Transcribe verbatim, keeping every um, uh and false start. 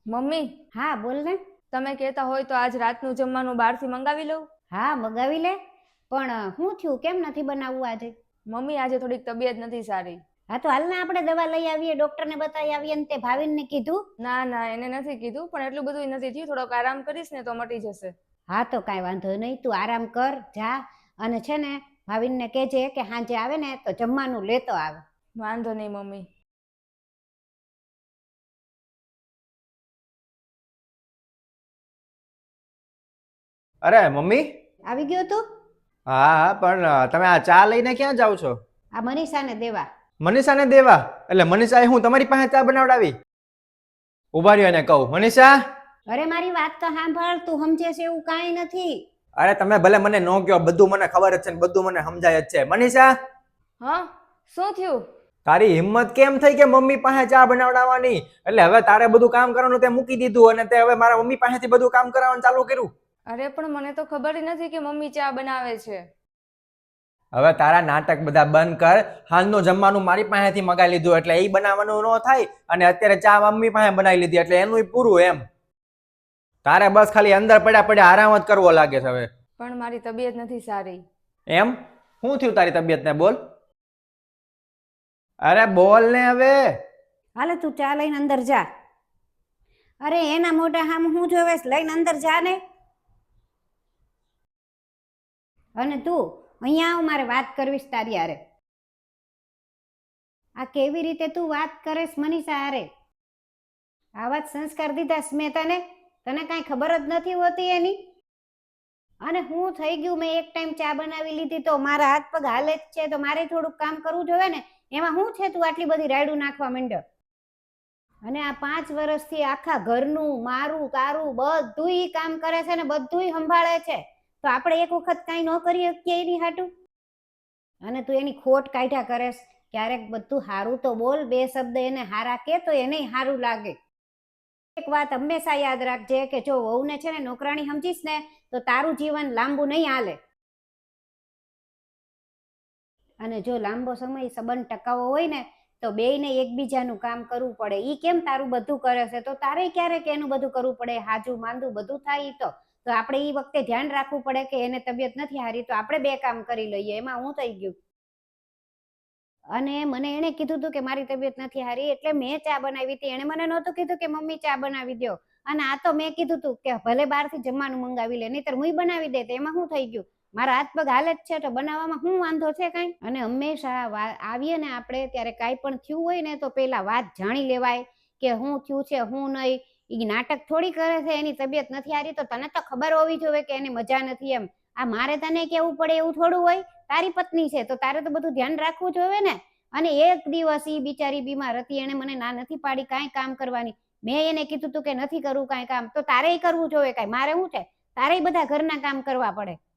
Mummy, હા બોલ ને. તમે કહેતા હોય તો આજ રાતનું જમવાનું બહારથી મંગાવી લઉં? હા મગાવી લે, પણ શું થયું, કેમ નથી બનાવવું આજે? મમ્મી, આજે થોડીક તબિયત નથી સારી. હા તો હાલ ને આપણે દવા લઈ આવીએ, ડોક્ટરને બતાવી આવીએ. ને તે ભાવિનને કીધું? ના ના, એને નથી કીધું, પણ એટલું બધું નથી થયું. થોડોક આરામ કરીશ ને તો મટી જશે. હા તો કાંઈ વાંધો નહીં, તું આરામ કર, જા. અને છે ને ભાવિનને કહેજે કે સાંજે આવે ને તો જમવાનું લેતો આવે. વાંધો નહીં મમ્મી. અરે મમ્મી. આવી ગયો તું? હા હા, પણ તમે આ ચા લઈને ક્યાં જાવ છો? આ મનીષાને દેવા. મનીષાને દેવા? એટલે મનીષાએ હું તમારી પાસે ચા બનાવડાવી? ઉભા રહ્યો એને કહું. મનીષા! અરે મારી વાત તો સાંભળ, તું સમજે છે એવું કાંઈ નથી. અરે તમે ભલે મને ન કહો, બધું મને ખબર જ છે ને બધું મને સમજાય જ છે. મનીષા! હા, શું થયું? તારી હિંમત કેમ થઈ કે મમ્મી પાસે ચા બનાવડાવવાની? એટલે હવે તારે બધું કામ કરવાનું તે મૂકી દીધું અને તે હવે મારા મમ્મી પાસેથી બધું કામ કરાવવાનું ચાલુ કર્યું. અરે પણ મને તો ખબર જ નથી કે મમ્મી ચા બનાવે છે. હવે તારા નાટક બધા બંધ કર. હાલનું જમવાનું મારી પાસેથી મગાવી લીધું એટલે એ બનાવવાનું ન થાય, અને અત્યારે ચા મમ્મી પાસે બનાવી લીધી એટલે એનું પૂરું. એમ તારે બસ ખાલી અંદર પડ્યા પડ્યા આરામ જ કરવો લાગે છે હવે. પણ મારી તબિયત નથી સારી. એમ? શું થયું તારી તબિયતને? બોલ. અરે બોલ ને હવે. હાલે તું ચા લઈને અંદર જા. અરે એના મોઢા સામે હું જોવે, લઈને અંદર જા ને. અને તું અહીંયા આવ, મારે વાત કરવીશ તારી હારે. આ કેવી રીતે તું વાત કરેશ મનીષા હારે? આવા જ સંસ્કાર દીધા મેં તને? તને કાંઈ ખબર જ નથી હોતી એની? અને હું થઈ ગયું, મેં એક ટાઈમ ચા બનાવી લીધી તો મારા હાથ પગ હાલે જ છે, તો મારે થોડુંક કામ કરવું જોઈએ ને. એમાં શું છે તું આટલી બધી રાયડું નાખવા માંડ્યો? અને આ પાંચ વર્ષથી આખા ઘરનું મારું તારું બધુંય કામ કરે છે ને બધુંય સંભાળે છે, તો આપણે એક વખત કાંઈ ન કરી શકીએ એની હાટું? અને તું એની ખોટ કાઢ્યા કરેશ. ક્યારેક બધું સારું તો બોલ, બે શબ્દ એને હારા કે તો એને સારું લાગે. એક વાત હંમેશા યાદ રાખજે કે જો વહુને છે ને નોકરાણી સમજીશ ને તો તારું જીવન લાંબુ નહીં હાલે. અને જો લાંબો સમય સંબંધ ટકાવવો હોય ને તો બેયને એકબીજાનું કામ કરવું પડે. ઈ કેમ તારું બધું કરે છે તો તારે ક્યારેક એનું બધું કરવું પડે. હાજુ માંદું બધું થાય તો તો આપણે ઈ વખતે ધ્યાન રાખવું પડે કે એને તબિયત નથી હારી તો આપણે બે કામ કરી લઈએ. એમાં હું થઈ ગયું? અને મને એને કીધું હતું કે મારી તબિયત નથી હારી એટલે મેં ચા બનાવી હતી. એને મને નહોતું કીધું કે મમ્મી ચા બનાવી દો. અને આ તો મેં કીધું હતું કે ભલે બહારથી જમવાનું મંગાવી લે, નહીતર હું બનાવી દે. તો એમાં શું થઈ ગયું? મારા હાથ પગ હાલે જ છે તો બનાવવામાં શું વાંધો છે કાંઈ? અને હંમેશા આવીએ ને આપણે ત્યારે કાંઈ પણ થયું હોય ને તો પેલા વાત જાણી લેવાય કે શું થયું છે શું નહીં. એ નાટક થોડી કરે છે. એની તબિયત નથી હારી તો તને તો ખબર હોવી જોઈએ કે એને મજા નથી. એમ આ મારે તને કેવું પડે એવું થોડું હોય? તારી પત્ની છે તો તારે તો બધું ધ્યાન રાખવું જોઈએ ને. અને એક દિવસ ઈ બિચારી બીમાર હતી, એને મને ના નથી પાડી કાંઈ કામ કરવાની. મેં એને કીધું તું કે નથી કરવું કાંઈ કામ, તો તારે કરવું જોઈએ કાંઈ. મારે શું છે? તારે બધા ઘરના કામ કરવા પડે.